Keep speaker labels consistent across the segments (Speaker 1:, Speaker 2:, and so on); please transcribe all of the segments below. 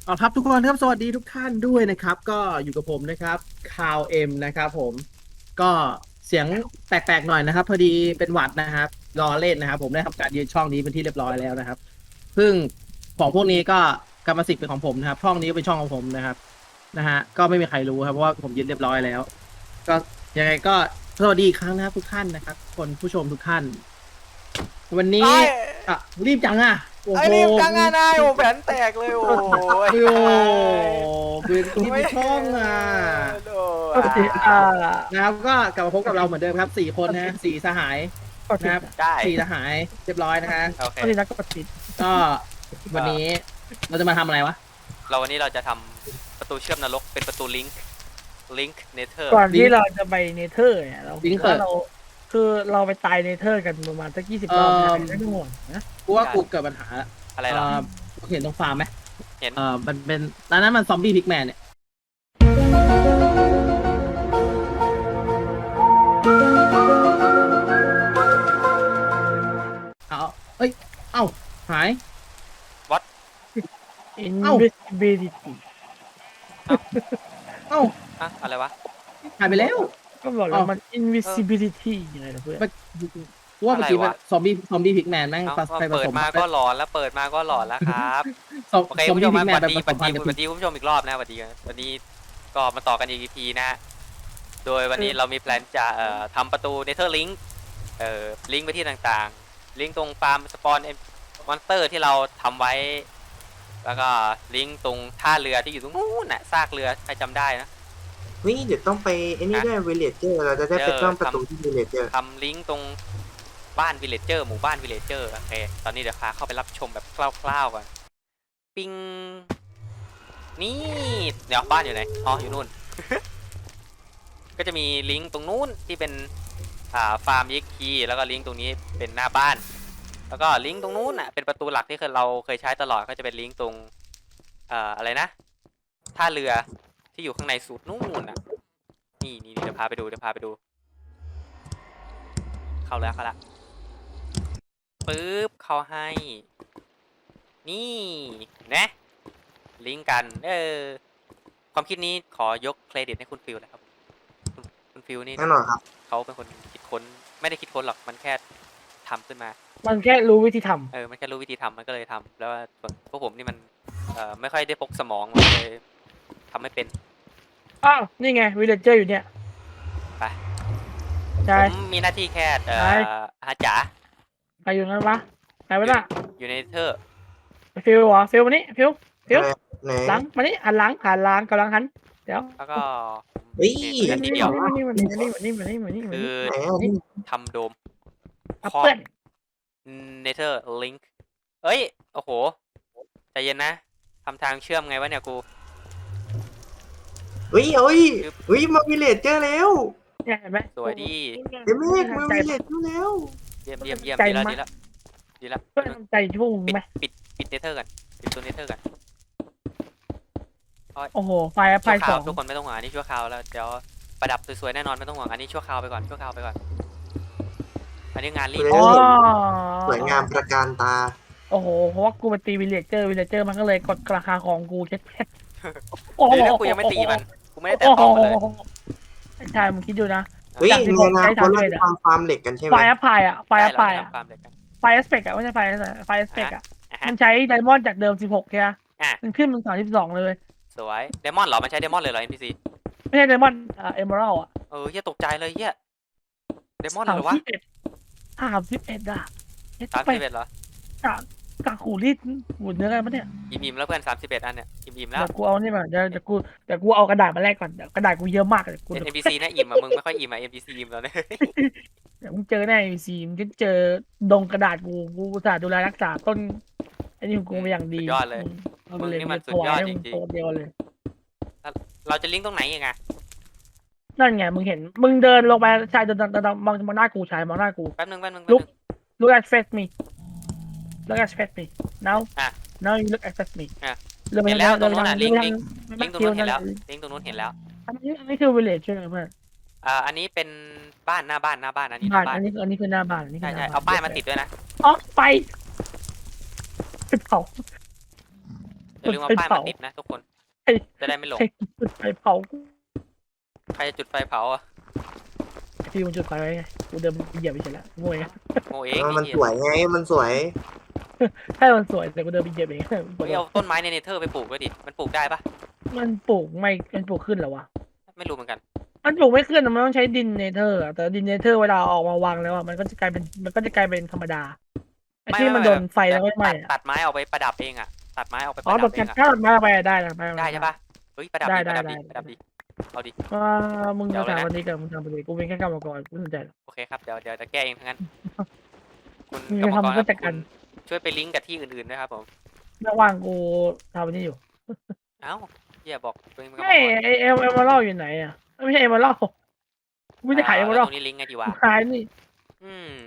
Speaker 1: เอาครับทุกคนครับสวัสดีทุกท่านด้วยนะครับก็อยู่กับผมนะครับคาวเอ็มนะครับผมก็เสียงแปลกๆหน่อยนะครับพอดีเป็นหวัดนะครับรอเล่นนะครับผมได้ทำการยืนช่องนี้เป็นที่เรียบร้อยแล้วนะครับซึ่งของพวกนี้ก็กรรมสิทธิ์เป็นของผมนะครับช่องนี้ก็เป็นช่องของผมนะครับนะฮะก็ไม่มีใครรู้ครับเพราะว่าผมยืนเรียบร้อยแล้วก็ยังไงก็สวัสดีอีกครั้งนะครับทุกท่านนะครับคนผู้ชมทุกท่านวันนี้
Speaker 2: ไอ้
Speaker 1: อ่ะรีบจังอ่ะโอ้โห
Speaker 2: รีบจังอะนายโอ้แผนแตกเลยโอ้ย
Speaker 1: โอ้เป็นที่
Speaker 2: ไม่
Speaker 1: ช่องอ่ะ
Speaker 2: โด
Speaker 3: ปกติ
Speaker 1: นะครับก็กลับมาพบกับเราเหมือนเดิมครับสี่คนนะสี่สหาย
Speaker 3: ปกติ
Speaker 1: นะครับ
Speaker 2: ได้
Speaker 1: สี่สหายเรียบร้อยนะฮะ
Speaker 2: โอเค
Speaker 3: ปกตินักปกติ
Speaker 1: ก็วันนี้เราจะมาทำอะไรวะ
Speaker 2: วันนี้เราจะทำประตูเชื่อมนรกเป็นประตูลิงค์เนเธอร์
Speaker 3: ก่อนที่เราจะไปเนเธอร์เนี่ยเรา
Speaker 1: ลิงก์เปิด
Speaker 3: ว่าเราคือเราไปตายเนเธอร์กันประมาณสัก20 รอบนะไม่ต้องห่วงนะ
Speaker 1: กูว่ากูเกิดปัญหาละ
Speaker 2: อะไรหรอ
Speaker 1: เห็นตรงฟาร์มไหม
Speaker 2: เห็น
Speaker 1: มันเป็นตอนนั้นมันซอมบี้พิกแมนเนี่ยเอาเอ้ยเอ้าหาย
Speaker 2: วัด
Speaker 3: อิน
Speaker 1: เอ้า
Speaker 3: วิสิบิลิตี้
Speaker 1: เอ้า
Speaker 2: อะอะไรวะ
Speaker 1: หายไปแล้ว
Speaker 3: ก็บอกแล้วมัน invisibility ยังไงนะเพื่อน
Speaker 1: มันกูว่าเมื่อกี้มันซอมบี้พิกแมนแม่ง
Speaker 2: เอา
Speaker 1: ไปผ
Speaker 2: เปิ
Speaker 1: สม
Speaker 2: ดมาก็หลอนแล้วเปิดมาก็หลอนแล้วครับโอเค
Speaker 1: ซอม
Speaker 2: คุณผู้ชมมา
Speaker 1: บี้พิกแมนไปผ
Speaker 2: สวัสดี
Speaker 1: สมพันธุ์กับ
Speaker 2: คุณผู้ชมอีกรอบนะสวัสดีวันนี้ก็มาต่อกันอีก EP นะโดยวันนี้เรามีแพลนจะทำประตูเนเธอร์ลิงค์ลิงก์ไปที่ต่างๆลิงก์ตรงฟาร์มสปอนมอนสเตอร์ที่เราทำไว้แล้วก็ลิงก์ตรงท่าเรือที่อยู่ตรงนู้นน่ะซากเรือใครจำได้นะ
Speaker 4: นี่เดี๋ยวต้องไปไอ้นี่ด้วยวิลเลจเจอร์เราจะได้ไปซ่อมประตูที่วิลเลจเจอร์
Speaker 2: ทำลิงก์ตรงบ้านวิลเลจเจอร์หมู่บ้านวิลเลจเจอร์โอเคตอนนี้เดี๋ยวพาเข้าไปรับชมแบบคร่าวๆก่อนปิงนี่เดี๋ยวบ้านอยู่ไหนอ๋ออยู่นู่น ก็จะมีลิงก์ตรงนู้นที่เป็นฟาร์มยิกคีแล้วก็ลิงก์ตรงนี้เป็นหน้าบ้านแล้วก็ลิงก์ตรงนู้นอ่ะเป็นประตูหลักที่เราเคยใช้ตลอดก็จะเป็นลิงก์ตรงอะไรนะท่าเรือที่อยู่ข้างในสุดนู่นอ่ะนี่เดี๋ยวพาไปดูเข้าแล้วปึ๊บเข้าให้นี่นะลิงก์กันความคิดนี้ขอยกเครดิตให้คุณฟิลเลยครับคุณฟิลนี่
Speaker 4: แน่นอนครับ
Speaker 2: เขาเป็นคนคิดค้นไม่ได้คิดค้นหรอกมันแค่ทำขึ้นมา
Speaker 3: มันแค่รู้วิธีท
Speaker 2: มันแค่รู้วิธีทำมันก็เลยทำแล้วส่วนพวกผมนี่มันไม่ค่อยได้พกสมองเลยทำไม่เป็น
Speaker 3: ำอ้าวนี่ไงวิลเลจเจอร์อยู่เนี่ย
Speaker 2: ไป
Speaker 3: ใช่
Speaker 2: ผมมีหน้าที่แค่หาจ๋า
Speaker 3: ใครอยู่นั้นวะไหนวะน่ะ
Speaker 2: อยู่ในเธอร์
Speaker 3: ฟิลวะฟิลมานี่ฟิล
Speaker 4: ไหน
Speaker 3: หลังมานี่หันหลังกำลังหันเดี๋ยว
Speaker 2: แล้วก็
Speaker 4: เฮ้ย
Speaker 2: หน้าที่เดียว
Speaker 3: นี่
Speaker 2: คือ
Speaker 4: ไหนอ่ะนี่
Speaker 2: ทำโดม
Speaker 3: เพื่อน
Speaker 2: เนเธอร์ลิงค์เอ้ยโอ้โหใจเย็นนะทำทางเชื่อมไงวะเนี่ยกู
Speaker 4: เฮ้ยมาวิลเลจเจอร์แล้ว
Speaker 3: เนี่ยเห็นไหม
Speaker 2: สวยดี
Speaker 4: เดี๋ยวเมฆมาวิลเลจเจอร์แล้ว
Speaker 2: เยี่ยมดีแล้ว
Speaker 3: เพื่อนใจชุ่มไหม
Speaker 2: ปิดเนเธอร์กันปิดตัวเนเธอร์กัน
Speaker 3: โอ้โหไฟสอง
Speaker 2: ทุกคนไม่ต้องห่วงอันนี้ชั่วคราวแล้วเดี๋ยวประดับสวยๆแน่นอนไม่ต้องห่วงอันนี้ชั่วคราวไปก่อนอันนี้งานรีบ
Speaker 4: สวยงามประการตา
Speaker 3: โอ้โหเพราะว่ากูไปตีวิลเลจเจอร์มันก็เลยกดราคาของกูเช็ดเพชร
Speaker 2: เดี๋ยวกูยังไม่ตีมันกูไม่ได้แตะต้องมันเลย
Speaker 3: ใช่มึงคิดดูนะ
Speaker 4: เฮ้ยในอนาคตเราจะทำฟาร์มเหล็กกันใช่ไหม
Speaker 3: ไฟแอปพายไฟแอปพายไฟเอสเปกไม่ใช่ไฟเอสเปกมันใช้ไดมอนด์จากเดิม16ใช่ไหมมันขึ้นเป็น32เลย
Speaker 2: สวยไดมอนด์เหรอมันใช้ไดมอนด์เลยเหรอ NPC
Speaker 3: ไม่ใช่ไดมอนด์เอเมอรัลอ่ะ
Speaker 2: เฮียตกใจเลยเฮียไดมอนด์เหรอวะ
Speaker 3: 31อ่ะ
Speaker 2: 31เหรอก
Speaker 3: ากหูรีดหูเนื้อกันปะเนี่ย
Speaker 2: อิ่มแล้วเพื่อน31อันเนี่ยอิ่มแล้ว
Speaker 3: เดี๋ยวกูเอานี่มาเดี๋ยวกูเอากระดาษมาแลกก่อนกระดาษกูเยอะมากเลยกู
Speaker 2: NPC นะอิ่มมึงไม่ค่อยอิ่มNPC อิ่มแล้วเนี่ย
Speaker 3: เดี๋ยวมึงเจอแน่ซีมึงจะเจอดงกระดาษกูอุตส่าห์ดูแลรักษาต้นไอ้นี่ของกูมาอย่างดี
Speaker 2: สุดยอดเลยมึงนี่มันสุดยอดจริง
Speaker 3: ๆเดียวเลย
Speaker 2: เราจะลิงก์ตรงไหนยังไง
Speaker 3: นั่นไงมึงเห็นมึงเดินลงไปชายเดินมองหน้ากูชายมองหน้ากู
Speaker 2: แป๊บนึง
Speaker 3: look at face me now you look at face me
Speaker 2: เห็นแล้วตรงนู้นลิงก์ตรงนู้นเห็นแล้วลิงก์ตรงนู้นเห็นแล้ว
Speaker 3: อันนี้คือ village ใช่ไหมเพื่อน
Speaker 2: อันนี้เป็นบ้านหน้าบ้านอันนี้
Speaker 3: อันนี้คือหน้าบ้าน
Speaker 2: ใช่เอาป้ายมาติดด้วยนะ
Speaker 3: อ๋อไปเผา
Speaker 2: อย่าลืมเอาป้ายมาติดนะทุกคน
Speaker 3: ใคร
Speaker 2: จะได้ไม่หลง
Speaker 3: ใครจุดไฟเผา
Speaker 2: ใครจะจุดไฟเผาอ่ะ
Speaker 3: พี่มันจุดไฟไว้ไงกูเดินเหยียบไปเฉยแล้วงวย
Speaker 2: โมเอง
Speaker 4: มัน
Speaker 2: ไอ้
Speaker 4: ส
Speaker 2: เหี้ย
Speaker 4: วยไงมันสวย
Speaker 3: ใช่มันสวยแต่กูเดินไปเหยียบเอง
Speaker 2: ไม่เอาต้นไม้ในเนเธอร์ไปปลูกด้วยดิมันปลูกได้ปะ
Speaker 3: มันปลูกไม่มันปลูกขึ้นเหรอวะ
Speaker 2: ไม่รู้เหมือนกัน
Speaker 3: มันปลูกไม่ขึ้นอะมันต้องใช้ดินเนเธอร์อะแต่ดินเนเธอร์เวลาออกมาวางแล้วอะมันก็จะกลายเป็นธรรมดาไอ้ที่มันโดนไฟแล้วก็ไหม้อะ
Speaker 2: ตัดไม้เอาไปประดับเองอ่ะตัดไม้เอาไปป
Speaker 3: อ๋อ
Speaker 2: ระ
Speaker 3: ต
Speaker 2: ดั
Speaker 3: ก
Speaker 2: บเองอ่ะ
Speaker 3: ถ้าตัดไม้ไปได้นะ
Speaker 2: ได้ใช่ปะเฮ้ยประดับ
Speaker 3: ได้
Speaker 2: ดีประดับ
Speaker 3: ได้
Speaker 2: ดี
Speaker 3: ได้
Speaker 2: ประดับดีเอาดิ
Speaker 3: ว่ามึง
Speaker 2: เดี๋ย
Speaker 3: จะ
Speaker 2: วเลยนะ
Speaker 3: ทำวันนี้กับมึงทำวันนี้กูเป็นแค่กรรมกรกูสนใจหรอก
Speaker 2: โอเคครับเดี๋ยวจะแก้เองทั้งนั้นคุณ
Speaker 3: มึง
Speaker 2: กร
Speaker 3: จะ
Speaker 2: รมกร
Speaker 3: ทำก็
Speaker 2: ครับ
Speaker 3: จัดการ
Speaker 2: คุณช่วยไปลิงก์กับที่อื่นๆด้วยครับผม
Speaker 3: ระหว่างกูทำวันนี้อยู่
Speaker 2: เอ้าเหี้ยบอกตัวเองเป็นกรรม
Speaker 3: ไม่
Speaker 2: กร
Speaker 3: ไอเอมอรัลอยู่ไหนอะไม่ใช่เอมอรัลกูจะขายเอมอ
Speaker 2: แล้
Speaker 3: รั
Speaker 2: ว
Speaker 3: ล
Speaker 2: ตรงนี้ลิงก์ไงดีวะ
Speaker 3: ขายนี่
Speaker 2: อืม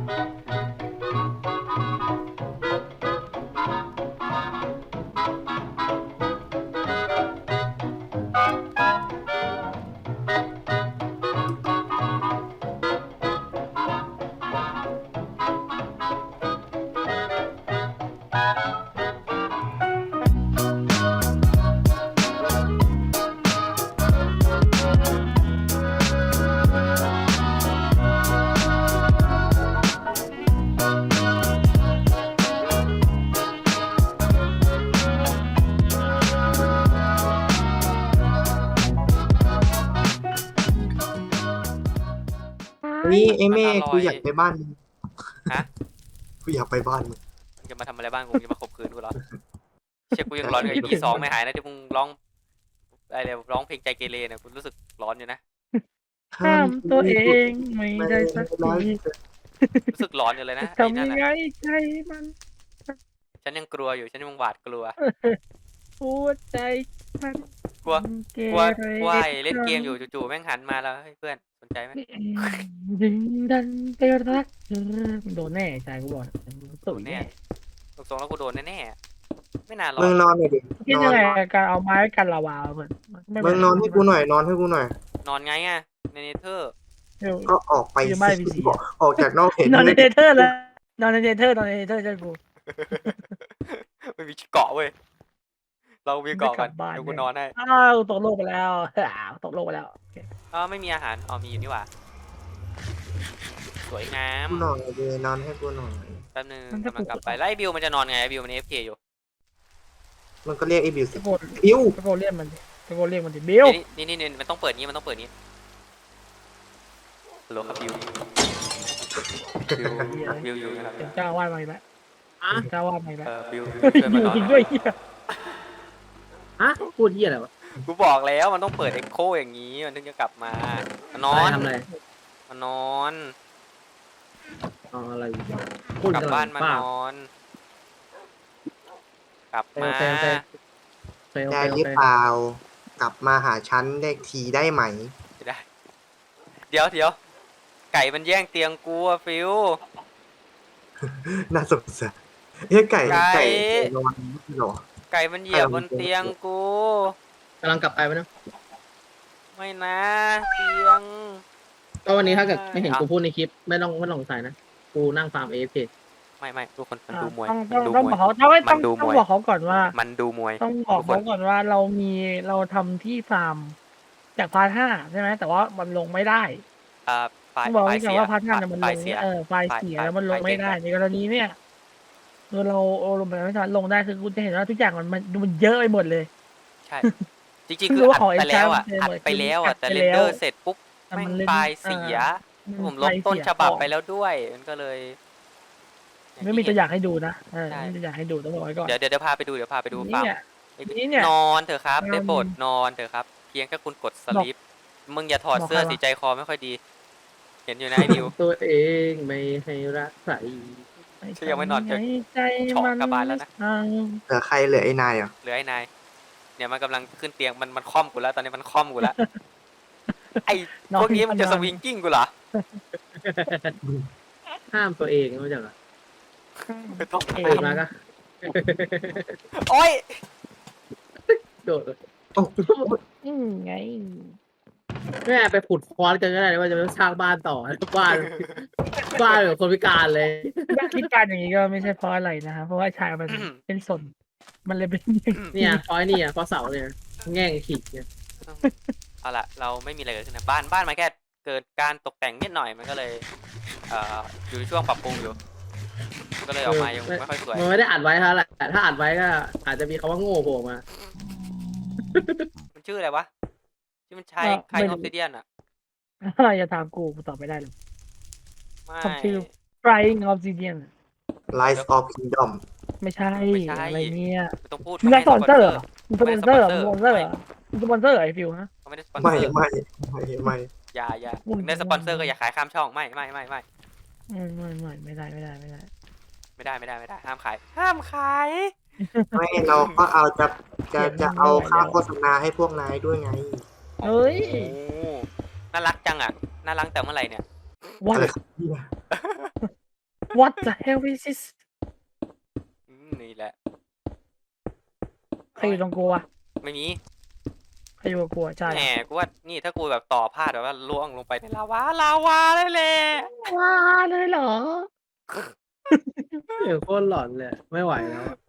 Speaker 4: นี่ไอ้เม่
Speaker 2: มันอร่อย
Speaker 4: กูอยากไปบ้านมึง
Speaker 2: ฮะ
Speaker 4: กูอยากไปบ้านมึง
Speaker 2: จะมาทำอะไรบ้างกูจะมาข่มขืนกูเหรอเชี่ยกูยังร้อนกับ EP 2ไม่หายนะที่มึงร้องอะไรร้องเพลงใจเกเรเนี่ยกูรู้สึกร้อนอยู่นะ
Speaker 3: ห้ามตัวเองไม่ได้สักที
Speaker 2: รู้สึกร้อนอยู่เลยนะไอ้
Speaker 3: ทำ
Speaker 2: นั่
Speaker 3: ยั
Speaker 2: น
Speaker 3: งไง
Speaker 2: น่ะ
Speaker 3: ใจมัน
Speaker 2: ฉันยังกลัวอยู่ฉันยังหวาดกลัว
Speaker 3: หัวใจมัน
Speaker 2: กลัว
Speaker 3: เก
Speaker 2: กลัว
Speaker 3: เร
Speaker 2: กลัวไอ้เล่นเกมอยู่จู่ๆแม่งหันมาแล้วเฮ้ยเพื่อนสนใจไหม
Speaker 3: ดึงดันไปรักเธอโดนแน่ใจกูบอก
Speaker 2: โดนแน่ตรงๆแล้วกูโดนแน่ๆไม่นานหรอก
Speaker 4: มึงนอนหน่อยดิ
Speaker 3: คิด
Speaker 4: นอ
Speaker 3: ยัง
Speaker 4: น
Speaker 3: ไงการเอาไม้กันลาวาเหมือน
Speaker 4: มึงนอนให้กูหน่อยนอนให้กูหน่อย
Speaker 2: นอนไงอ่ะในเนเธอร์
Speaker 4: ก็ออกไป
Speaker 3: อยู่บ้าน
Speaker 4: สิ
Speaker 3: VC
Speaker 4: ออกจากนอกเห็น
Speaker 3: นอนในเนเธอร์แล้วนอนในเนเธอร์ใช่กู
Speaker 2: ไม่มีเกาะเว้ยเรามีเกาะกัน
Speaker 3: ไม่กลับบ้าน
Speaker 2: เดี๋ยวกูนอนให้
Speaker 3: อ้าวตกโลกไปแล้วตกโลกไปแล้ว
Speaker 2: อ๋อไม่มีอาหารอ๋อมีอยู่นี่หว่าสวยงาม
Speaker 4: กูหน่อยเลยนอนให้กูหน่อย
Speaker 2: แป๊บนึงกำลังกลับไปแล้วไอ้บิวมันจะนอนไงไอ้บิวมัน AFK อยู่
Speaker 4: มันก็เรียกไอ้บิวสิ
Speaker 3: ตะโกน
Speaker 4: บิว
Speaker 3: ตะโกนเรียกมันตะโกนเรียกมันดิบิว
Speaker 2: นี่มันต้องเปิดนี้มันต้องเปิดนี้ฮัลโหลครับบิวอยู่นะครับ
Speaker 3: เป็นเจ้าว่ามาอีกแล้ว
Speaker 1: อ่ะ
Speaker 3: เจ้าว่ามาอีกแล้ว
Speaker 2: บิว
Speaker 3: เฮ้ย
Speaker 2: ช่วยมันนอน
Speaker 3: จริงด้วยเฮีย
Speaker 1: ฮะพูดเหี้ยอะไรวะ
Speaker 2: กูบอกแล้วมันต้องเปิดเอ็กโคอย่างนี้มันถึงจะกลับมานอน
Speaker 1: ทำอะไร
Speaker 2: มานอน
Speaker 1: อ๋ออะไรพูด
Speaker 2: กลับบ้านมา
Speaker 1: เปล่
Speaker 2: นอน กลับมา
Speaker 1: โอเคโอเค
Speaker 4: ได้หรือเปล่ากลับมาหาฉันได้ทีได้ไหม
Speaker 2: ไม่ได้ เดี๋ยวไก่มันแย่งเตียงกูอะฟิว
Speaker 4: น่าสงสารเฮ้ยไก่
Speaker 2: ไก่
Speaker 4: นอนไม่หรอ
Speaker 2: ไก่มันเหยียบบนเตียงกู
Speaker 1: กำลังกลับไปไหมนะ
Speaker 2: ไม่นะเตียง
Speaker 1: ก็วันนี้ถ้าเกิดไม่เห็นกูพูดในคลิปไม่ต้องสงสัยนะกูนั่งฟาร์มเอฟ
Speaker 2: ไม่ทุกคนมันดูมวย
Speaker 3: ต้องบอกเขาต้องบอกเขาก่อนว่า
Speaker 2: มันดูมวย
Speaker 3: ต้องบอกเขาก่อนว่าเราทำที่ฟาร์มจากพาร์ท 5ใช่ไหมแต่ว่ามันลงไม่ได้
Speaker 2: ไฟ
Speaker 3: ต้องบอก
Speaker 2: ไฟ
Speaker 3: ไว้ก่อ
Speaker 2: เสี
Speaker 3: น
Speaker 2: ย
Speaker 3: ว่าพาร์ท 5มันลง
Speaker 2: เสีย
Speaker 3: ไฟเสียแล้วมันลง
Speaker 2: ไฟ
Speaker 3: ไม่ได้
Speaker 2: เสีย
Speaker 3: ในกรณีเนี่ยเราลงไปไม่สามารถลงได้คือคุณจะเห็นว่าทุกอย่างมันเยอะไปหมดเลย
Speaker 2: ใช่ จริงๆคืออัดไปแล้วอ่ะ
Speaker 3: คือ
Speaker 2: อัดไปแล้วอ่ะ
Speaker 3: อั
Speaker 2: แต่
Speaker 3: ดไป
Speaker 2: เร
Speaker 3: แล้ว
Speaker 2: นเดอร์เสร็จปุ๊บ
Speaker 3: แต่
Speaker 2: แม่
Speaker 3: มั
Speaker 2: ง
Speaker 3: นเล่น
Speaker 2: ไฟล์เสีย ผมลบต้นฉบับไปแล้วด้วย มันก็เลย
Speaker 3: ไม่มีตัวอย่างให้ดูนะ
Speaker 2: ใช่
Speaker 3: ไม่มีตัวอย่างให้ดูต้องบอกไว้ก่อน
Speaker 2: เดี๋ยวพาไปดูฟาร์ม
Speaker 3: นี่เนี่ย
Speaker 2: นอนเถอะครับ
Speaker 3: นอน
Speaker 2: ได้โปรดนอนเถอะครับ เพียงแค่คุณกดสลิปมึงอย่าถอดเสื้อ
Speaker 3: บอกใครวะ
Speaker 2: สีใจคอไม่ค่อยดี เห็นอยู่นะไอ้ดิว
Speaker 1: ตัวเองไม่ให้รักใคร
Speaker 2: ฉันยังไม่นอนจะ
Speaker 3: ใจ
Speaker 2: เฉาะกลับบ้านแล้วนะ
Speaker 4: เหลือใครเหลือไอ้นายเหรอ
Speaker 2: เหลือไอ้นายเนี่ยมันกำลังขึ้นเตียงมันค่อมกูแล้วตอนนี้มันค่อมกูแล้ว ไอ้พวกนี้มันจะสวิงกิ้งกูเหรอ
Speaker 1: ห้ามตัวเองไม่ใช่เหรอ
Speaker 2: ไม่ต้อง
Speaker 1: ตื่นมาก็
Speaker 2: โอ้ย
Speaker 1: โดดเลย
Speaker 4: โอ้
Speaker 3: ไง
Speaker 1: แม่ไปขุดคอนกันก็ได้นะว่าจะไปสร้างบ้านต่อบ้านบ้านแบบคนพิการเลย
Speaker 3: คิดการอย่างนี้ก็ไม่ใช่เพราะอะไรนะครับเพราะว่าชายมันเป็นสนมันเลยเป็นอย่าง
Speaker 1: เนี่ยพอยเนี่ยพอเสาเนี่ยแง่งขีดเนี่ย
Speaker 2: เอาละเราไม่มีอะไรเกิดขึ้นนะบ้านมันแค่เกิดการตกแต่งนิดหน่อยมันก็เลยอยู่ในช่วงปรับปรุงอยู่ก็เลยออกมายังไม่ค่อยสวย
Speaker 1: มันไม่ได้อัดไว้เท่าไหร่แต่ถ้าอัดไว้ก็อาจจะมีคำว่าโง่โผล่มา
Speaker 2: มันชื่ออะไรวะที่มันใช้คลายออฟซิเดียนอ่ะ
Speaker 3: อย่าถามกูตอบไม่ได้หรอก
Speaker 2: ไม่
Speaker 3: คำชื่อ Flying Obsidian
Speaker 4: Rise of Kingdom
Speaker 3: ไม่ใช่อะไรเนี่ย
Speaker 2: ไม่ต้องพูด
Speaker 3: มึงได้สปอนเซอร์เหรอมึงสป
Speaker 2: ไม่
Speaker 3: อน
Speaker 2: ได้
Speaker 3: เซอร์เหรอ
Speaker 2: ส
Speaker 3: มึง
Speaker 2: ป
Speaker 3: ส
Speaker 2: อ
Speaker 3: ป
Speaker 2: น
Speaker 3: อน
Speaker 2: เซ
Speaker 3: เซ
Speaker 2: อ
Speaker 3: อ
Speaker 2: ร์
Speaker 3: ร์เหรอมึงสปอนเซอร์เหรอไอฟิวฮะ
Speaker 2: เขาไม่ได้สปอนเซ
Speaker 4: ไม่
Speaker 2: อร์
Speaker 4: ไม่
Speaker 2: อย่ามึงได้สปอนเซอร์ก็อย่าขายข้ามช่องไม่
Speaker 3: ไม่ได้
Speaker 2: ไม่ได้ห้ามขายห้ามขาย
Speaker 4: ไม่เราก็เอาจะเอาค่าโฆษณาให้พวกนายด้วยไง
Speaker 3: เฮ้ย
Speaker 2: โอ้น่ารักจังอ่ะน่ารักแต่เมื่อไหร่เนี่ย
Speaker 3: what
Speaker 4: อะไรครับเนี่ย
Speaker 3: what the hell is this
Speaker 2: นี่แหละ
Speaker 3: ใครอยู่ตรงกูอะ
Speaker 2: ไม่มี
Speaker 3: ใครอยู่กับกูอะใช่
Speaker 2: แหมกูว่านี่ถ้ากูแบบต่อพลาดแบบว่าล่วงลงไปในลาวาเลยแหละ
Speaker 3: ว้าเลยเหรอ
Speaker 1: เดี๋ยวโคตรหลอนเลยไม่ไหวแล้วอะ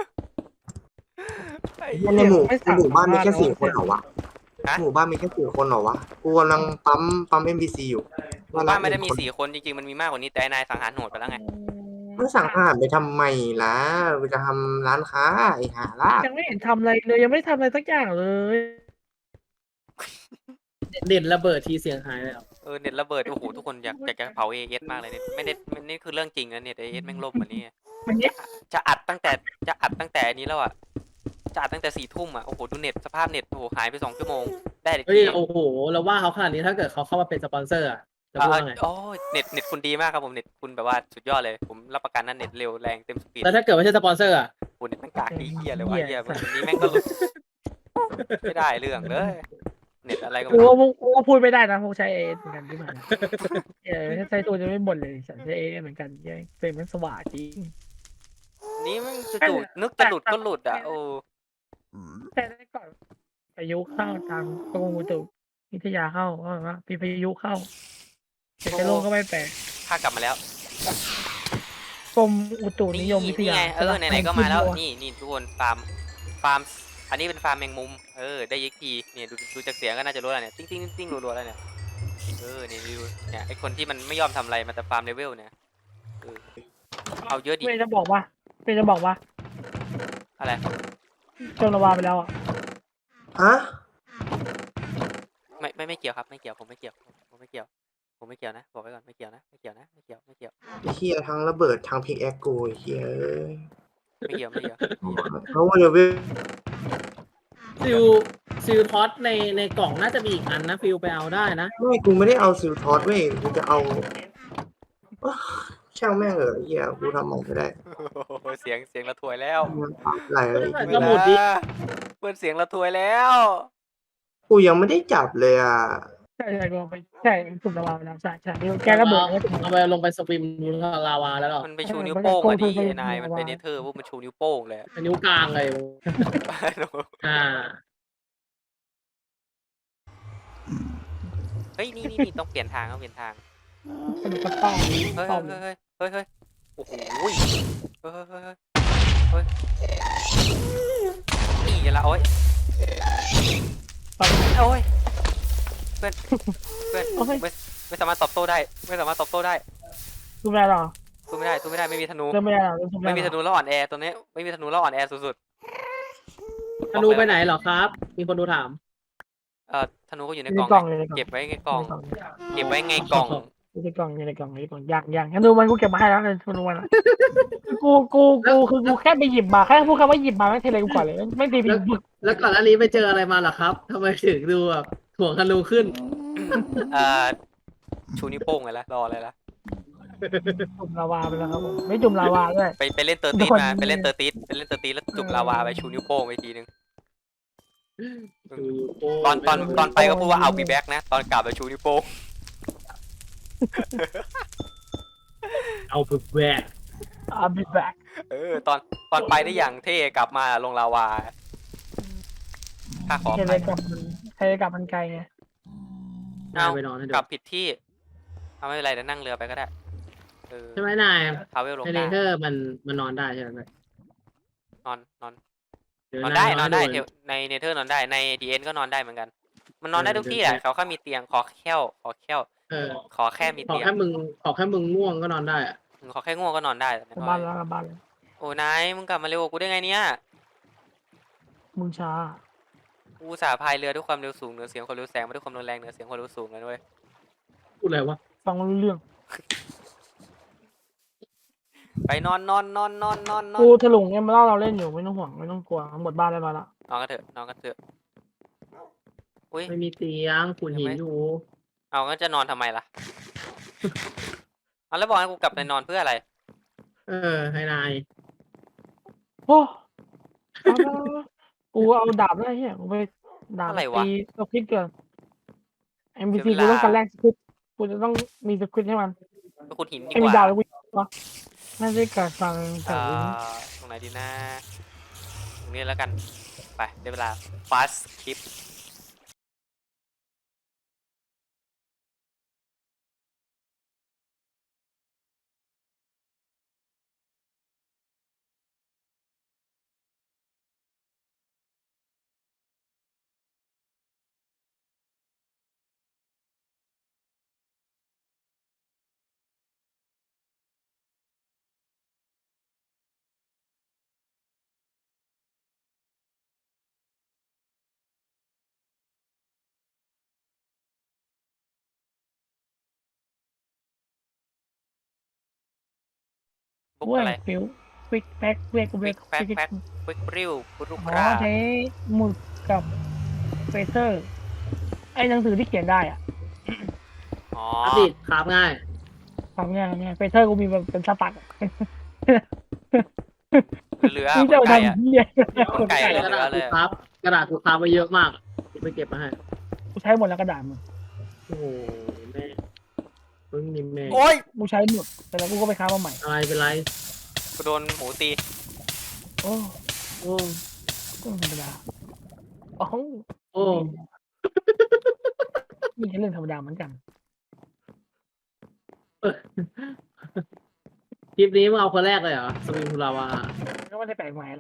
Speaker 2: ไอ้
Speaker 4: ใน
Speaker 2: เหี้ย
Speaker 4: หมู่บ้านมีแค่4 คนเหรอวะ
Speaker 2: ฮะ
Speaker 4: หมู่บ้านมีแค่4 คนเหรอวะกูกำลังปั๊ม NPC อยู่
Speaker 2: หมู่บ้านไม่ได้มี4 คนจริงๆมันมีมากกว่านี้แต่นายสังหารโหดไปแล้วไง
Speaker 4: ไม่สั่งอาหารไปทำไมล่ะไปจะทำร้านค้าไอ้ห่าล่ะ
Speaker 3: ยังไม่เห็นทำอะไรเลยยังไม่ได้ทำอะไรสักอย่างเลย
Speaker 1: เด่นระเบิดทีเสียงหายเลยเหรอ
Speaker 2: เน็ตระเบิดโอ้โหทุกคนอยากจะเผาเอเอสมากเลยเนี่ยไม่ได้นี่คือเรื่องจริงนะเน็ตเอเอสแม่งล่มเหมือนนี้
Speaker 3: มันเนี่ย
Speaker 2: จะอัดตั้งแต่อันนี้แล้วอ่ะจะอัดตั้งแต่4 ทุ่มอ่ะโอ้โหดูเน็ตสภาพเน็ตโอ้โหหายไป2 ชั่วโมงได้อีก
Speaker 1: เฮ้ย
Speaker 2: ที
Speaker 1: โอ้โหเราว่าเขาขนาดนี้ถ้าเกิดเขาเข้ามาเป็นสปอนเซอร์อะจะพูดว่าไง
Speaker 2: โอ้ยเน็ตคุณดีมากครับผมเน็ตคุณแบบว่าสุดยอดเลยผมรับประกันนะเน็ตเร็วแรงเต็มสปีด
Speaker 1: แล้วถ้าเกิดไม่ใช่สปอนเซอร์อะ
Speaker 2: คุณเน็ตแม่งกากดีเหี้ยเลยวะเหี้ยวันนี้แม่งก็หลุดไม่ได้เรื่องเลยเน็ตอะไรก็
Speaker 3: กู
Speaker 2: ไม่รู้
Speaker 3: ว่าพูดไม่ได้นะพวกใช้เอเหมือนกันที่มันถ้าใช้ตัวจะไม่บ่นเลยฉันใช้เอเหมือนกันเป็นมันสว่างจริง
Speaker 2: นี่แม่งจู่ๆนึกจะหลุดก็หลุดอ่ะโอ้
Speaker 3: แต่ได้ก่อนพายุเข้าทางกรมอุตุนิทยาเข้าว่ามีพายุเข้าแต่จะลงก็ไม่แปลก
Speaker 2: ข้ากลับมาแล้ว
Speaker 3: กรมอุตุนิยมวิท
Speaker 2: นี่
Speaker 3: ยา
Speaker 2: ไงไหนๆก็มาแล้วนี่ทุกคนฟาร์มอันนี้เป็นฟาร์มแมงมุมได้ยิกทีเนี่ยดูจากเสียงก็น่าจะรู้แล้วเนี่ยติ้งรัวๆแล้วเนี่ยนี่ดูเนี่ยไอคนที่มันไม่ยอมทำอะไรมันจะฟาร์มเลเวลเนี่ยเอาเยอะดิ
Speaker 3: เพื่อนจะบอกว่า
Speaker 2: อะไร
Speaker 3: จนระวาไปแล้วอ่ะ
Speaker 4: ฮะ
Speaker 2: ไม่เกี่ยวครับไม่เกี่ยวผมไม่เกี่ยวนะบอกไว้ก่อนไม่เกี่ยวนะ
Speaker 4: ไอ้เฮียทั้งระเบิดทั้งพิกแอคกูไอ้เฮีย
Speaker 2: ไม่เกี่ยว
Speaker 4: เพราะว่าเลเวล
Speaker 1: ซิลท็อตในกล่องน่าจะมีอีกอันนะฟิลไปเอาได้นะ
Speaker 4: ไม่กูไม่ได้เอาซิลทอสเว้ยกูจะเอาช่างแม่งเหอะไอ้เฮียกูทำมันไม่ได้
Speaker 2: เสียงระถวยแล้ว
Speaker 4: มันปรับไหลเลย
Speaker 1: ก็หมดดิ
Speaker 2: เพื่อนเสียงระถวยแล้ว
Speaker 4: กูยังไม่ได้จับเลยอ่ะ
Speaker 3: ใช่ลงไปใช่จุดระวาไปแล้วใช่แกระเบิดแล้ว
Speaker 1: เอาไปลงไปสปิมลาวาแล้วก็
Speaker 2: มันไปชูนิ้วโป้งอ่ะดิไอ้นายมันเป็นเนเธอร์พวกมันชูนิ้วโป้งเลย
Speaker 1: เป็นนิ้วกลางเลยอ่า
Speaker 2: เฮ้ยนี่ต้องเปลี่ยนทาง
Speaker 3: สนุกกับป้อม
Speaker 2: เฮ้ย
Speaker 3: ป้อม
Speaker 2: โอ้โหเฮ้ยนี่ไงละโอ้ยเพื่อนไม่สามารถตอบโต้ได้
Speaker 3: ดูไม่ได้หรอ
Speaker 2: สู้ไม่ได้ไม่มีธนู
Speaker 3: เริ่มไม่ได้หรอ
Speaker 2: ไม่มีธนูแล้วอ่อนแอตัวนี้ไม่มีธนูแล้วอ่อนแอสุด
Speaker 1: ธนูไปไหนเหรอครับ มีคนดูถาม
Speaker 2: ๆธนูก็อยู่ในกล่อง เก็บไว้ในกล่อง
Speaker 3: อยู่ในกล่องอย่างงั้นดูมันกูเก็บมาให้แล้วเลยธนูมันกูแค่ไปหยิบมาแค่พูดคำว่าหยิบมาไม่เทเลยกูก่อนเลยไม่ตีผิดบึก
Speaker 1: แล้วก่อนอันนี้ไปเจออะไรมาเหรอครับทำไมถึงดูแบบถ่วงธนูขึ้น
Speaker 2: ชูนิ้วโป้งไงล่ะรออะไรล่ะ
Speaker 3: จุ่มลาวาไปแล้วครับผมไม่จุ่มลาวาด้วย
Speaker 2: ไปเล่นเตอร์ติสมาไปเล่นเตอร์ติสแล้วจุ่มลาวาไปชูนิ้วโป้งไปทีนึงตอนไปก็พูดว่าเอาบีแบ็กนะตอนกลับไปชูนิ้วโป้ง
Speaker 1: เอาไปแหวก
Speaker 3: be back
Speaker 2: ตอนไปได้อย่างเท่กลับมาลงลาวาถ้าขอ
Speaker 3: เท
Speaker 2: ไป
Speaker 3: เลกับมันไกลไง
Speaker 1: ไปนอนให้ดู
Speaker 2: กลับผิดที่เอาไม่เป็นไรเดี๋ยวนั่งเรือไปก็ได้
Speaker 1: ใช่ไหมนาย
Speaker 2: พาเวลลง
Speaker 1: ในเน
Speaker 2: ได้
Speaker 1: เธอร์มันนอนได้ใช่ไหม
Speaker 2: นอนนอน
Speaker 1: เดี๋ยวน
Speaker 2: อนได้
Speaker 1: าย
Speaker 2: นอนได้
Speaker 1: ให้
Speaker 2: เทลในเนเธอร์นอนได้ในดีเอ็นก็นอนได้เหมือนกัน มันนอนได้ทุกที่แหละเขาแค่มีเตียงขอแค่
Speaker 1: เออ
Speaker 2: ขอแค่มี
Speaker 1: ขอ
Speaker 2: เตียง
Speaker 1: แค่มึงง่วงก็นอนได้อะ
Speaker 2: ขอแค่ง่วงก็นอนได้แต่
Speaker 3: กลับ
Speaker 2: ไม่
Speaker 3: บ้าน
Speaker 2: น
Speaker 3: แล้
Speaker 2: อน
Speaker 3: วกลับบ้านแล้ว
Speaker 2: โอ้นายมึงกลับมาเร็วกว่ากูได้ไงเนี่ย
Speaker 3: มึงช้า
Speaker 2: กูอุตสาห์พายเรือด้วยความเร็วสูงเหนือเสียงความเร็วแสงมาด้วยความรุนแรงเหนือเสียงความเร็วสูงเลยด้วย
Speaker 1: พูดอะไรวะ
Speaker 3: ฟังไม่รู้เรื่อง
Speaker 2: ไปนอนนอนนอนนอนนอนนอน
Speaker 3: กูถลุงเอ็มเล่าเราเล่นอยู่ไม่ต้องห่วงไม่ต้องกลัวหมดบ้านได้มาละ
Speaker 2: นอนกันเถอะนอนกันเถอะอุ้ย
Speaker 1: ไม่มีเตียงขุนหินอยู่
Speaker 2: เอางั้นจะนอนทำไมล่ะ เอาแล้วบอกให้กูกลับไปนอนเพื่ออะไร
Speaker 1: ให้นาย
Speaker 3: โอ้เอาละกูเอาดาบได้เฮียกูไปดาบ
Speaker 2: อะไรวะ
Speaker 3: ตีสคริปต์ก่อน NPC
Speaker 2: เสียเวลา
Speaker 3: กูต้องการแลกสคริปต์กูจะต้องมีสคริปต์ให้มัน
Speaker 2: ไปขุดหินดี
Speaker 3: ไม่
Speaker 2: ก
Speaker 3: มี
Speaker 2: ว่า
Speaker 3: ดาวแล้วกูวะไม่ได้การฟังจากลิ้น
Speaker 2: ตรงไหนดีนะตรงนี้แล้วกัน ไปได้เวลา fast skip บุก
Speaker 3: เว้ย
Speaker 2: อะไร
Speaker 3: ฟิวควิกแพ็คเวกเวก
Speaker 2: Quick Pack Pack ควิกริ้วปุรุ
Speaker 3: อ๋
Speaker 2: ก
Speaker 3: อ
Speaker 2: รา
Speaker 3: ใช้หมุดกับเฟเซอร์ ไอ้หนังสือที่เขียนได้อ่ะ
Speaker 2: อ๋อ
Speaker 1: อัปเดตครับง่าย
Speaker 3: ทำเนี่ยเฟเซอร์กูมีแบบเป็นสตั๊กอะ
Speaker 2: เหลือ
Speaker 3: มึง
Speaker 2: ค
Speaker 3: จะ
Speaker 2: น
Speaker 3: เอา
Speaker 2: ไก่อะ
Speaker 3: ทำเหี้ย
Speaker 2: คนไก่
Speaker 1: กระดาษกูครับกระดาษกูครับมาเยอะมากกูไปเก็บมาให้
Speaker 3: กูใช้หมดแล้วกระดาษมึง
Speaker 1: โอ้โหแม่มึงนี่แม่
Speaker 2: โอ้ย
Speaker 3: กูใช้หมดแต่แล้วกูก็ไปค้ามาใหม่
Speaker 1: อะไรเป็นไร
Speaker 2: กูโดนหมูตี
Speaker 3: โอ้
Speaker 1: โอ้
Speaker 3: ก็ธรรมดาโอ้โห
Speaker 1: โอ้
Speaker 3: นี่แค่เรื่องธรรมดาเหมือนกัน
Speaker 1: คลิปนี้มึงเอาคนแรกเลยเหรอสวิงคูลาวา
Speaker 3: ก็ไม่ได้แปลกใหม่อะไร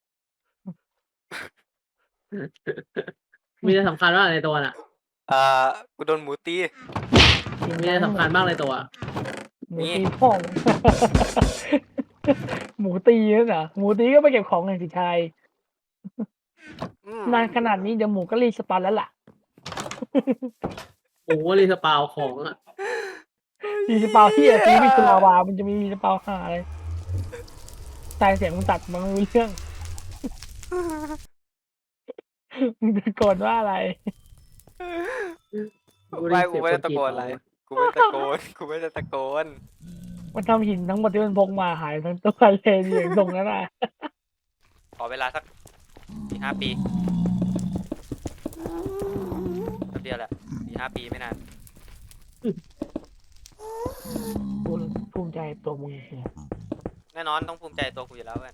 Speaker 1: มีอะไรสำคัญบ้างในตัวน่ะ
Speaker 2: กูโดนหมูตี
Speaker 1: มีอะไรสำคัญบ้างในตัว
Speaker 3: หมูตีพ่อง หมูตีนั่นเหรอหมูตีก็ไปเก็บของไงสิชาย
Speaker 2: อืม
Speaker 3: นานขนาดนี้เดี๋ยวหมูก็รีสปอนแล้วล่ะ
Speaker 1: โอ้โหรีสปาวของอ่ะ
Speaker 3: รีสปาวที่ตีวิคุลาวามันจะมีรีสปาวหาอะไรตายเสียงมันตัดมันไม่รู้เรื่อง มึงตะโกนว่าอะไร
Speaker 2: ไม่กูไม่ได้ตะโกนอะไร กูไม่ได้ตะโกน กูไม่ได้ตะโกน
Speaker 3: มันทำหินทั้งหมดที่มันพกมาหายทั้งตัวเลยอย่างตรงนั้นน่ะ
Speaker 2: ขอเวลาสัก4-5 ปีแป๊บเดียวแหละ4-5 ปีไม่นาน
Speaker 3: กูภูมิใจตัวมึงเชีย
Speaker 2: แน่นอนต้องภูมิใจตัวกูอยู่แล้วเว้ย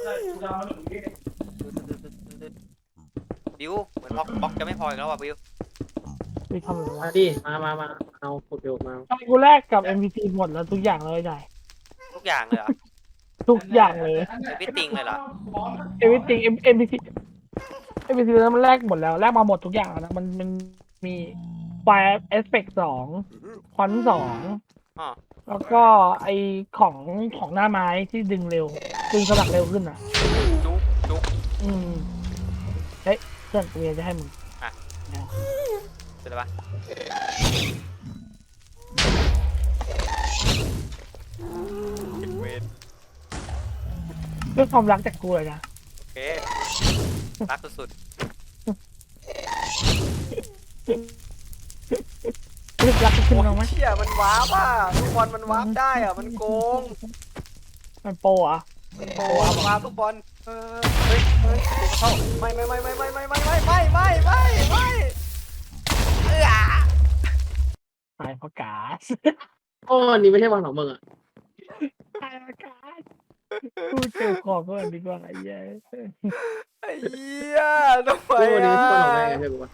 Speaker 2: บิวเหมือนบล็อกจะไม่พออีกแล้วว่ะบิว
Speaker 3: ไปทำอะไรวะ
Speaker 1: มาดิมาเอาโปรเกมมา
Speaker 3: ตอนกูแรกกับ MVP หมดแล้วทุกอย่างเลยได้
Speaker 2: ทุกอย่างเลยเหรอ
Speaker 3: ทุกอย่างเลย
Speaker 2: วิตติงเลยเหรอ
Speaker 3: everything MVP MVP แล้วมันแลกหมดแล้วแลกมาหมดทุกอย่างแล้วนะมันมี Fire Aspect 2 ควัน2
Speaker 2: อ๋อ
Speaker 3: แล้วก็ไอของหน้าไม้ที่ดึงเร็ว ดึงสลักเร็วขึ้นอ่ะ
Speaker 2: จุ๊กจุ๊ก
Speaker 3: อืมเฮ้ยเพื่อนกูจะให้มึง
Speaker 2: อ่ะ
Speaker 3: นะ
Speaker 2: เสร็จแล้วปะเวน
Speaker 3: เรื่องความรักจากกูเลยนะ
Speaker 2: โอเครักสุด
Speaker 3: เรื่องรัก
Speaker 2: ๆ
Speaker 3: ขึ้น
Speaker 2: โอ้
Speaker 3: มาไหม
Speaker 2: ยเชี่ยมันวาร์ปอ่ะทุกบอลมันวาร์ปได้อ่ะ มันโกง
Speaker 3: มันโปรอ่ะ
Speaker 2: มันโกงวาร์ปทุกบอลเฮ้ยเข้าไม่เอื้อ
Speaker 3: ตายเพราะกาส
Speaker 1: โอ้นี่ไม่ใช่วันของมึงอ่ะ
Speaker 3: ตายเพราะกาสกูเจอของก่อนดีกว่าไอ้เหี้ย
Speaker 2: ไอ้เหี้ยทำไม
Speaker 1: โอ้นี่
Speaker 2: อ่ะ
Speaker 1: ไม่ใช่วันของแม่ไงใช่ปะ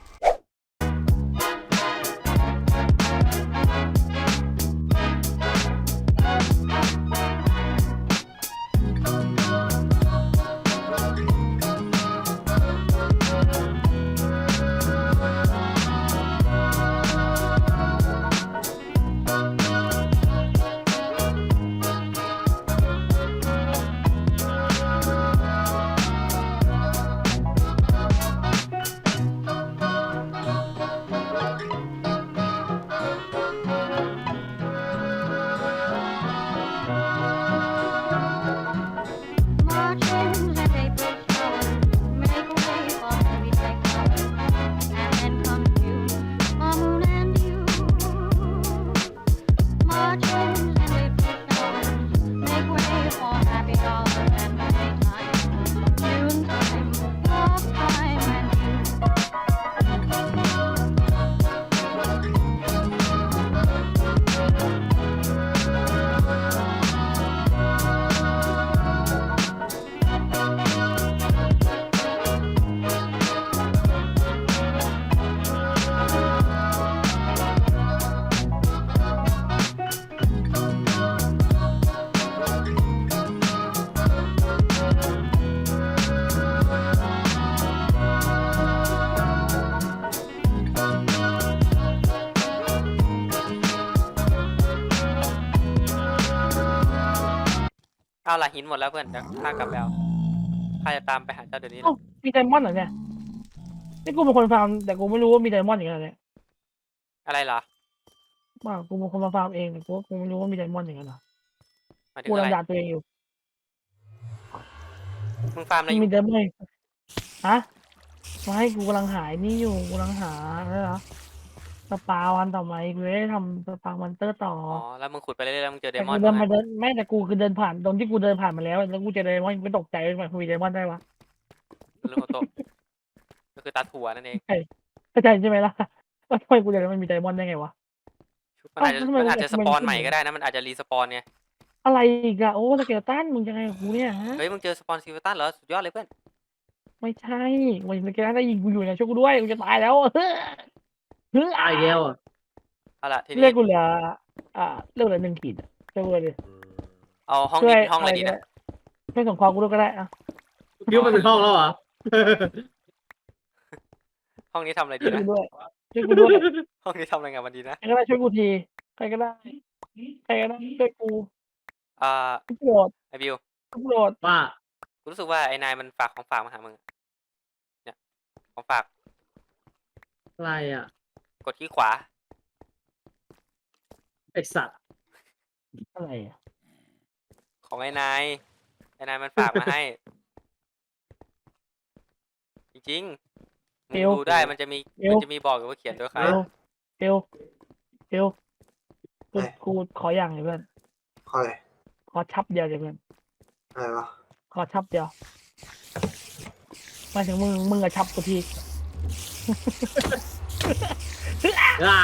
Speaker 2: เอาละหินหมดแล้วเพื่อนเดี๋ยวข้ากลับไปเอาข้าจะตามไปหาเจ้าเดี๋ยวนี้เล
Speaker 3: เอ้าย มีไดมอนด์เหรอเนี่ยนี่กูเป็นคนฟาร์มแต่กูไม่รู้ว่ามีไดมอนด์อย่างเงี้ยเนี่ย
Speaker 2: อะไรเหรอ
Speaker 3: ว่ากูเป็นคนมาฟาร์มเองแต่กูไม่รู้ว่ามีไดมอนด์อย่างเงี้ยเหรอ
Speaker 2: หมายถึ
Speaker 3: กู
Speaker 2: งอะไร
Speaker 3: ลำดาตัวเองอยู่
Speaker 2: มึงฟาร์มอะไร
Speaker 3: มัน
Speaker 2: อยู่
Speaker 3: มีไดมอนด์ฮะไม่กูกำลังหายนี่อยู่กูกำลังหาอะไรเหรอสปาวันต่อมากูจะได้ทำสปาวันเตอร์ต่อ
Speaker 2: อ๋อแล้วมึงขุดไปเรื่อยๆแล้วมึงเจอเด
Speaker 3: แต่
Speaker 2: มอ
Speaker 3: กู
Speaker 2: น
Speaker 3: เดิน
Speaker 2: ไหม
Speaker 3: มาเดินไม่แต่กูคือเดินผ่านตรงที่กูเดินผ่านมาแล้วแล้วกูเจอไดมอนด์กูตกใจว่ามันมีไดมอนด์ได้วะ
Speaker 2: เรื่องของโตะก็คือตาถั่วนั่นเอง
Speaker 3: เข้าใจใช่ไหมล่ะว่าทำไมกูเดินมันมีไดมอนด์ได้ไงวะ
Speaker 2: มันอาจจะ
Speaker 3: ทำไม
Speaker 2: สปอน
Speaker 3: มัน
Speaker 2: ใหม่ก็ได้นะมันอาจจะรีสปอนไง
Speaker 3: อะไรอีกอะโอ้สเกลตันมึงยังไงกับกูเนี่ยฮะ
Speaker 2: เฮ้ยมึงเจอสปอนซิลตันเหรอสุดยอดเลยเพื่อน
Speaker 3: ไม่ใช่มันสเกลตันได้ยิงกูอยู่เนี่ยช่วยกูด้วยกูจะตายแล้วเฮ้ย
Speaker 1: ตายแล้วอ่ะ
Speaker 2: เอาล่ะที
Speaker 3: เลื
Speaker 2: นี้
Speaker 3: อดกูเหลือเลือดเหลือ1 ขีดอะช่วยกูเลย
Speaker 2: เอาห้อง
Speaker 3: ช่วย
Speaker 2: นี้เป็นห้องอะไรดีนะ
Speaker 3: ช่วยส่งความกูด้วยก็ได้อะ
Speaker 1: คิดว่ามันเป็นห้องแล้วเหรอ
Speaker 2: ห้องนี้ทำอะไรดี
Speaker 3: ช่วย
Speaker 2: นะ
Speaker 3: กูด้วยช่วยกูด้วย
Speaker 2: ห้องนี้ทำอะไรกันมันดีนะ
Speaker 3: ใครก็ได้ช่วยกูทีใครก็ได้ใครก็ได้ช่วยกู
Speaker 2: อ่า
Speaker 3: ทุกโปรด
Speaker 2: ไอบิว
Speaker 3: ทุกโปรด
Speaker 1: ว่า
Speaker 2: กูรู้สึกว่าไอ้นายมันฝากของฝากมาหามึงเนี่ยของฝาก
Speaker 1: อะไรอ่ะ
Speaker 2: กดที่ขวา
Speaker 1: ไอสัตว์
Speaker 3: อะไรอะ
Speaker 2: ของไอ้นายมันฝากมาให้ จริงๆมึงดูได้มันจะมีบอกอยู่ว่าเขียนโดยใคร
Speaker 3: เอวกูขออย่างเลยเพื่อน
Speaker 4: ขออะไร
Speaker 3: ขอชับเดียวเลยเพื่อน
Speaker 4: อะไรวะ
Speaker 3: ขอชับเดียวหมายถึงมึงอะชับกูที
Speaker 1: อ่า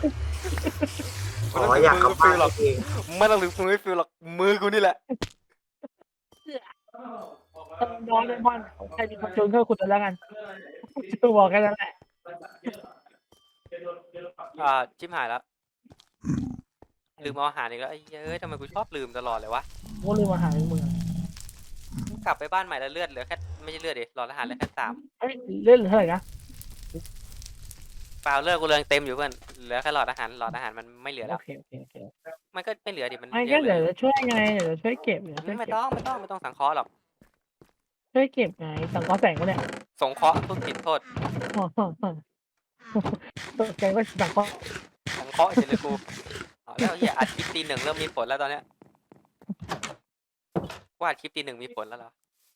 Speaker 4: อ๋ออยากกลับบ้านเอง
Speaker 2: ไม่ต้องถึงมือไม่ฟิลหรอกมือกูนี่แหละ
Speaker 3: น้องไดมอนด์ใครมีความชวนเข้าขุดแล้วกันจะบอกแค่นั้นแหละ
Speaker 2: ชิบหายแล้วลืมเอาอาหารอีกแล้วไอ้เฮ้ยทำไมกูชอบลืมตลอดเลยวะ
Speaker 3: กูลืมอาหารมึงอะ
Speaker 2: กลับไปบ้านใหม่แล้วเลือดเหลือแค่ไม่ใช่เลือดดิหลอดอาหารเหลือแค่3
Speaker 3: เอ้ยเล่นเท่าไหร่นะ
Speaker 2: เปล่าเลือดกูเรืองเต็มอยู่เพื่อนเหลือแค่หลอดอาหารมันไม่เหลือ
Speaker 3: โอ
Speaker 2: แล้ว
Speaker 3: เค
Speaker 2: มันก็ไม่เหลือดิมัน
Speaker 3: ไม่
Speaker 2: เย
Speaker 3: ก็
Speaker 2: อะเล
Speaker 3: เดี๋ยวย จะช่วยไงเดี๋ยวจะช่วยเก็บเดี๋ยวช่วย
Speaker 2: ไม่
Speaker 3: เก็บ
Speaker 2: ต้องสังเคราะห์หรอก
Speaker 3: ช่วยเก็บไงสังเคราะห์แสงวะเนี่ย
Speaker 2: สงเคราะห์พูดผิดโทษ
Speaker 3: แกก็สังเคราะห์
Speaker 2: สังเคราะห์เฉยเลยกูเอาแล้วเหี้ยอัดคลิปตี 1เริ่มมีผลแล้วตอนเนี้ยว่าอัดคลิปตี 1มีผลแล้วเหรอ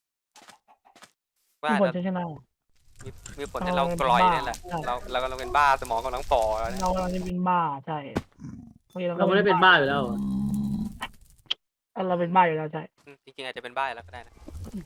Speaker 2: ว่า
Speaker 3: ทุกคน
Speaker 2: แบบ
Speaker 3: จะชนะ
Speaker 2: มีผลให้เรากลอยนั่นแหละเรากำลังเป็นบ้าสมองกำลังฝ่อแล้วเนี่ย
Speaker 3: เรากำลังจะเป็นบ้าใช่
Speaker 1: เราไม่ได้เป็นบ้าอยู่แล้ว
Speaker 3: เราเป็นบ้าอยู่แล้วใช่
Speaker 2: จริงๆอาจจะเป็นบ้าแล้วก็ได้นะ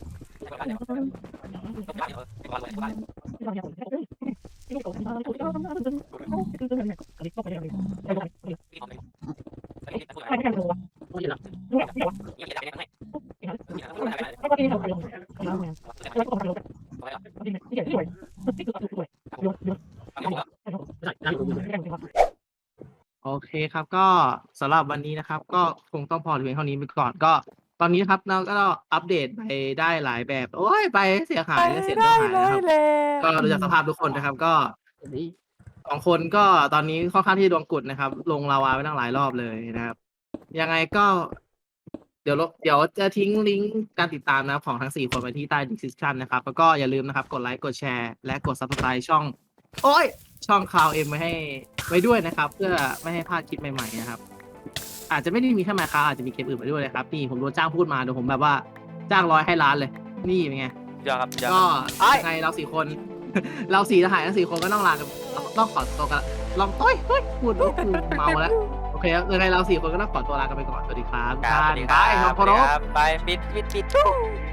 Speaker 1: โอเคครับ ก็สำหรับวันนี้นะครับ ก็คงต้องพอเพียงเท่านี้ไปก่อนก็ ตอนนี้นะครับเราก็อัปเดตไปได้หลายแบบ โอ้ยไปเสียหายเสียหายนะครับก็ดูจากสภาพทุกคนนะครับ ก็2 คนก็ตอนนี้ค่อนข้างที่ดวงกุดนะครับ ลงลาวาไปตั้งหลายรอบเลยนะครับ ยังไงก็ เดี๋ยวจะทิ้งลิงก์การติดตามนะครับของทั้ง4 คนไว้ที่ใต้ description นะครับ แล้วก็อย่าลืมนะครับ กดไลค์กดแชร์และกด subscribe ช่องข่าวเอ็มไว้ด้วยนะครับ เพื่อไม่ให้พลาดคลิปใหม่ๆนะครับ อาจจะไม่ได้มีแค่มาค้าอาจจะมีเกมอื่นมาด้วยนะครับ นี่ผมโดนจ้างพูดมาเดี๋ยวผมแบบว่าจ้าง100ให้ล้านเลย นี่เป็นไง
Speaker 2: เดี๋ยวครับเดี๋ยว
Speaker 1: ก็
Speaker 2: ครับ
Speaker 1: ยังไงเรา4 คน เรา4ทหารทั้ง4 คนก็ต้องลากันต้องขอตัวกันลองต้อยพูดแล้วกูเมาแล้วโอเคยังไงเรา4 คนก็ต้องขอตัวลากันไปก่อนสวัสดีครับ
Speaker 2: ครับสวัสดี
Speaker 1: บาย
Speaker 2: ครับ
Speaker 1: เคารพ
Speaker 2: ไปปิด